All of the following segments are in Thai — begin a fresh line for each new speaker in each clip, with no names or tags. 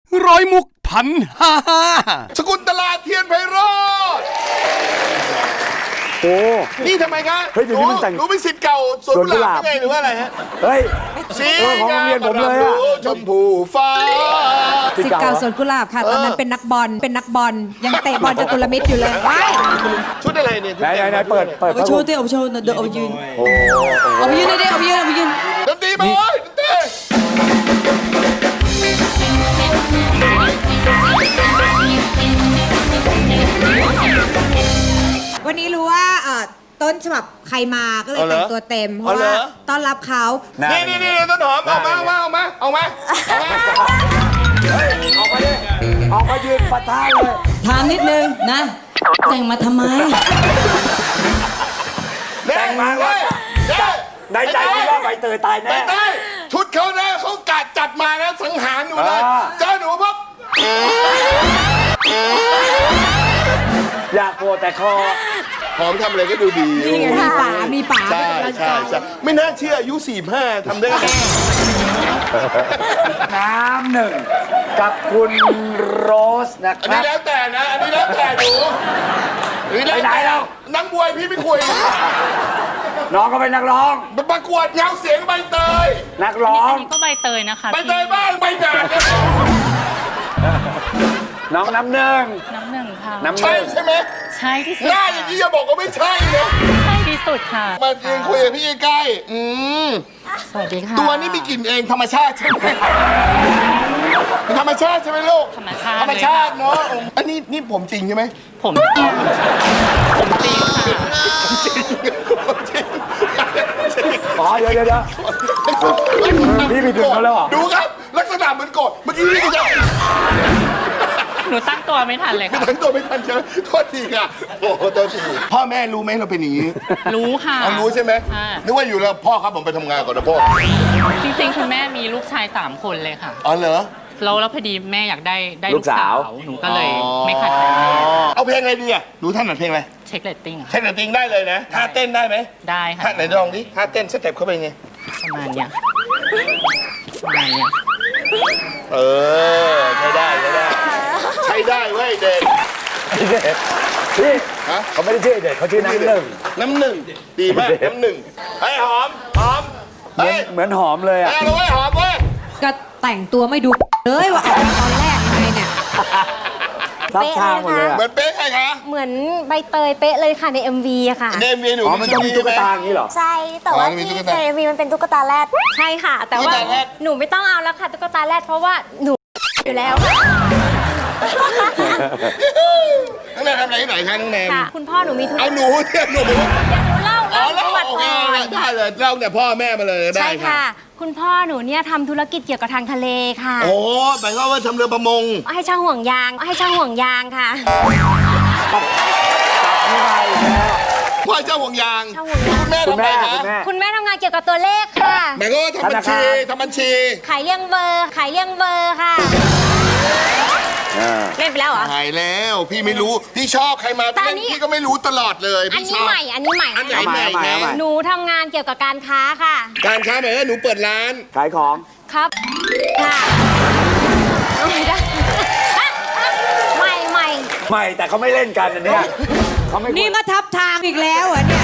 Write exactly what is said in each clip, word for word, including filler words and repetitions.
ร้อยมุกพันห้าห้า
สกุลตลาเทียนไพโรจน์
โอ้
นี่ทำไมครับ
เฮ้ยเดี๋ยวนี้มันแต่ง
หนูเป็นศิษย์เก่าสวนกุหลาบไงหรือว่าอะไรฮะ
เฮ้ย
สี
เออของโรงเรียนผมเลยอะ
ชมพูฟ้า
สิทธิ์เก่าสวนกุหลาบค่ะ ตอนนั้นเป็นนักบอลเป็นนักบอลยังเตะบอลจตุรมิตรอยู่เลยว้าย
ชุดอะไรเนี่ย
ไหนไหนไหนเปิดเปิด
เอาไปโชว์ดิเอาไปโชว์เดี๋ยวเอาไปยืน
โอ้โห
เอาไปยืนเลยดิเอาไปยืนเอาไปยืน
ดนตรีมาเลยดนตรี
วันนี้รู้ว่าเอ่อต้นฉบับใครมาก็เลยแต่งตัวเต็ม เพราะว่าต้อนรับเขา
นี่นี่นี่ต้นหอมเอามาเอามาเอามาเอามาเอามา
ออกมาดิออกมายืนปะทะเลย
ถามนิดนึงนะ แต่งมาทำไม
แต่งมาว่าในใจคิดว่าใบเตยตายแน่
ได้ชุดเขาเนี่ยเขากัดจัดมาแล้วสังหารหนูเลย
อ่า
เจอหนูปั๊บ
อยากโผล่แต่คอ
หอมทำอะไรก็ดูดี
นี่ไงมีป๋ามีป๋า
ใช่ใช่ใช่ไม่น่าเชื่ออายุสี่ห้าทำได้ไง
น้ำหนึ่งกับคุณโรสนะค
อัน
รั
นี้
บ
แล้วแต่นะ อันนี้แล้วแต่หนูอันนี้แล้ว
ไปไหน
แต่
แล้ว
นักบวยพี่ไม่คุย
น้องก็เป็นนักร้อง
ประกวดเงาเสียงใบเตย
นักร้อง
อันนี้ก็ใบเตยนะคะ
ใบเตยบ้างใบหนาเนี่ย
น้องน้ำหนึ่ง
น้ำหนึ่งค่ะ
น้ำห
ใช่
นึ่ง
ใช่ไหม
ใช่ที่สุด
หน้าอย่างนี้อย่าบอกว่าไม่ใช่นะ
ใช่ที่สุดค่ะ
มายืนคุยกับพี่ใกล้ๆอืม
สวัสดีค่ะ
ตัวนี้มีกลิ่นเองธรรมชาติใช่ไหมเป็นธรรมชาติใช่ไหมลูก
ธรรมชาติ
ธรรมชาติเนาะอันนี้นี่ผมจริงใช่ไหม
ผมจริงผมจริงค่ะ
ผมจริง
อ๋อเดี๋ยวเดี๋ยวเดี๋ยว พี่ไปถึงเขาแล้วเหรอ
ดูครับ ลักษณะเหมือนโกรธเมื่อกี้นี่ก็จะ
หนูตั้งตัวไม่ทันเลยค่ะ
ทั้งตัวไม่ทันใช่ไหมโทษทีค่ะโอ้โหตัวทีพ่อแม่รู้ไหมเราเป็นอย่างนี้
รู้ค่ะ
เอารู้ใช่ไหม
ค่ะ
นึกว่าอยู่แล้วพ่อครับผมไปทำงานก่อนนะพ่อ
จริงๆคุณแม่มีลูกชายสามคนเลยค่ะ
อ๋อเหรอ
แล้วแล้วพอดีแม่อยากได้ได้
ลู
ลู
ก
ก
สา
สาว ว หนูก็เลยไม่ขัดใจแม่
เอาเพลงอะไรดีอ่ะหนูท่านหนัดเพลงอะไร
เช็คเรตติ้งอะ
เช่นติงได้เลยนะท่าเต้นได้ไหม
ได้ค่ะ
ท่าไหนลองดิท่าเต้นสเต็ปเข้าไปไง
ประมาณเนี้ยประมาณเนี้ย
เออใช้ได้ใช้ได้ใช้ได้เว้ยเด็ก
พี่
ฮะ
เขาไม่ได้ชื่อเด็กเขาชื่อน้ำหนึ่ง
น้ำหนึ่งดีมากน้ำหนึ่งไอ้ยหอมหอม
เหมือน
เฮ้ย
เหมือนหอมเลยอ่ะ
เอาเลยเว้ยหอมเว้ย
ก็แต่งตัวไม่ดูเลยว่าออกมาตอนแรกยังไงเนี่ย
ทับทางหมดเลยอ่ะ
เหมือนเป๊ะใครคะ
เหมือนใบเตยเป๊ะเลยค่ะใน เอ็ม วี อะค่ะ
เดมเวียหนู
อ๋อ มันต้องมีตุ๊กตาอย่างนี้เหรอ
ใช่ แต่ว่า
อ๋อมี
ที่
ตุ๊กตา
ใน เอ็ม วี มันเป็นตุ๊กตาแรดใช่ค่ะ แต่ว่า
ตุ๊กตาแรด
หนูไม่ต้องเอาแล้วค่ะตุ๊กตาแรดเพราะว่าหนูอยู่แล้วค่ะ
น้องแนมทำอะไรที่ไหนคะน้องแนม
ค่ะ คุณพ่อหนูมีธุร
เอา
กิจ
หนูเนี่ยหนู
เดี๋ยวหนูเล่า
อ๋อ
เล่า
แล้
ป
ว
ระวัติ
โอเค
ก่อน
ได้เลยเล่าเนี่ยพ่อแม่มาเลยได้
ใช่
ค่ะ
ค่ะ คุณพ่อหนูเนี่ยทำธุรกิจเกี่ยวกับทางทะเลค่ะ
โอ้หมายความว่าทำเรือประมง
ให้ช่างห่วงยาง ให้ช่างห่วงยางค่ะ
พ่อเจ้าห่วงยาง
เจ้าห่วงยาง
คุณแม่
คุณ
ทำอะไร
แม่
คะ
คุณแม่
คุณแม่ทำงานเกี่ยวกับตัวเลขค่ะ
หมายความว่าทำบัญชีทำบัญชี
ขายเลี่ยงเบอร์ ขายเลี่ยงเบอร์ค่ะ
อ่า
เล่นไปแล้วเหรอ
หายแล้วพี่ไม่รู้พี่ชอบใครมา
แต่อันนี้
พี่ก็ไม่รู้ตลอดเลย
อัน
พี่ช
นี้
อบ
ใหม่ อันนี้ใหม่
อันไหน
เอาใหม่
ใหม่
เอาใหม่เอาใหม่
หนูทำงานเกี่ยวกับการค้าค่ะ
การค้าหมายว่าหนูเปิดร้าน
ขายของ
ครับ ค่ะเอาไม่ได้ ใหม่ใหม่
ไม่ แต่เขาไม่เล่นกันอันเนี้ยเขาไม่
นี่มาทับทางอีกแล้วเหรอเนี่ย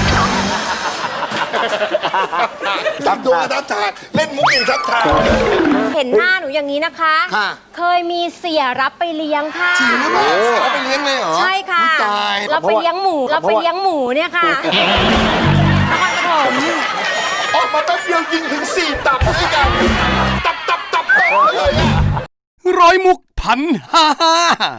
ทับตัวทับทางเล่นมุกอีกทับทาง
เห็นหน้าหนูอย่างนี้นะคะ
ค่ะ
เคยมีเสียรับไปเลี้ยงค่ะ
จริงหรือเปล่าเอาไปเลี้ยงเลยเหรอ
ใช่ค่ะ
อุ๊ยตาย
เราไปเลี้ยงหมู เราไปเลี้ยงหมูเนี่ยค่ะนครปฐม
ออกมาแป๊บเดียวยิงถึงสี่ตับด้วยกันตับตับตับตับเลยอะ
ร้อยมุกพันห้าห้า